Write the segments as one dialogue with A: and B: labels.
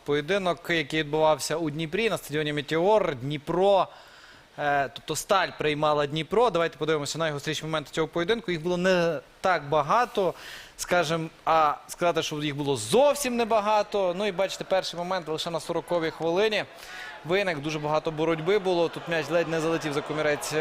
A: поєдинок, який відбувався у Дніпрі на стадіоні «Метеор». Дніпро, тобто Сталь приймала Дніпро. Давайте подивимося на найгостріші моменти цього поєдинку. Їх було не так багато, скажімо, а сказати, що їх було зовсім небагато. Ну і бачите, перший момент лише на 40-й хвилині виник, дуже багато боротьби було. Тут м'яч ледь не залетів за комірець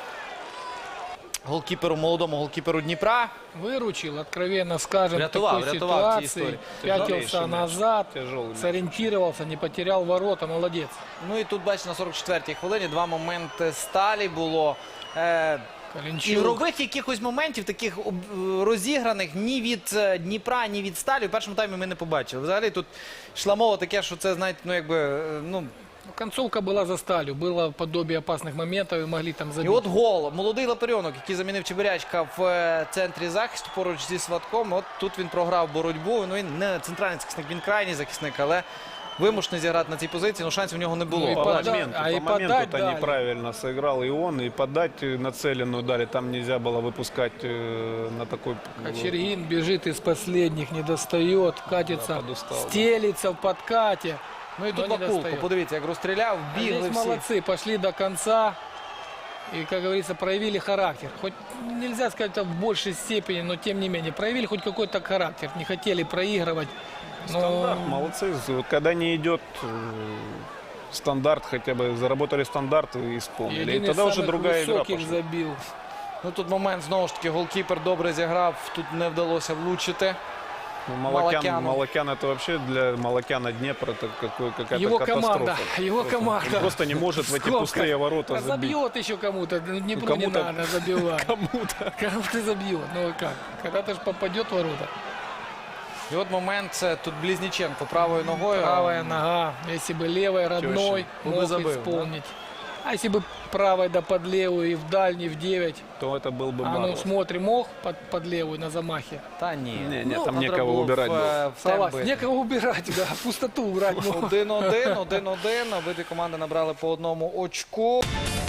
A: голкіперу, молодому голкіперу Дніпра.
B: Выручил, откровенно скажем, в такой
A: врятував
B: ситуации. Пятился назад, сориентировался, не потерял ворота, молодец.
A: Ну і тут, бачите, на 44-й хвилині два моменти Сталі було.
B: Калінчук.
A: Ігрових якихось моментів, таких розіграних ні від Дніпра, ні від Сталі. У першому таймі ми не побачили. Взагалі тут йшла мова таке, що це, знаєте, ну якби, ну...
B: Концовка была за Сталью, было подобие опасных моментов и могли там
A: І
B: забить.
A: от гол. Молодий Лапарьонок, який замінив Чебирячка в центрі захисту поруч зі Сватком. От тут він програв боротьбу. Ну він не центральний захисник, він крайній захисник, але вимушений зіграти на цій позиції, ну шансів у нього не було.
B: Ну, і
C: По
B: подать,
C: моменту
B: дали.
C: неправильно сыграл и он, и подать нацеленную дали. Там нельзя было выпускать на такой...
B: Кочергин бежит из последних, не достает, катится,
C: подустал, да.
B: стелится в подкате.
A: Ну і тут
B: но не
A: Вакулко,
B: достает.
A: подивіться, як розстріляв,
B: А
A: бігли
B: здесь
A: всі.
B: молодцы, пошли до конца и, как говорится, проявили характер. Хоть нельзя сказать это в большей степени, но тем не менее, проявили хоть какой-то характер. Не хотели проигрывать. Но
C: Стандарт, молодцы. Вот когда не идет стандарт, хотя бы заработали стандарт и исполнили. И
B: один из
C: тогда уже
B: самых
C: другая игра
B: высоких
C: пошла.
B: забил.
A: Ну тут момент, знову ж таки, голкіпер добре зіграв, тут не вдалося влучити.
C: Ну,
A: Малакяну.
C: Малакян это вообще для Малакяна Днепр это какая-то
B: Его
C: катастрофа.
B: команда, его команда.
C: Он просто не может в эти
B: Сколько?
C: пустые ворота забить.
B: Забьет еще кому-то. Днепру не
C: кому-то-
B: надо забивать.
C: Кому-то.
B: Кому-то забьет. Ну как? Когда-то же попадет в ворота.
A: І от момент, це тут Близніченко правою ногою.
B: Правая нога. Если бы левой родной,
A: Он бы
B: мог
A: забыл,
B: исполнить. А если бы правой да под левую и в дальний, в 9.
C: То это был бы
B: А ну
C: Мороз.
B: смотри, мог под левую на замахе?
A: Та ні.
C: Не, там
A: треба
C: некого
A: було
C: убирать было.
A: в темп
B: Согласен.
A: бити.
B: Некого убирать, да. Пустоту убрать.
A: 1-1. Обидві команди набрали по одному очку.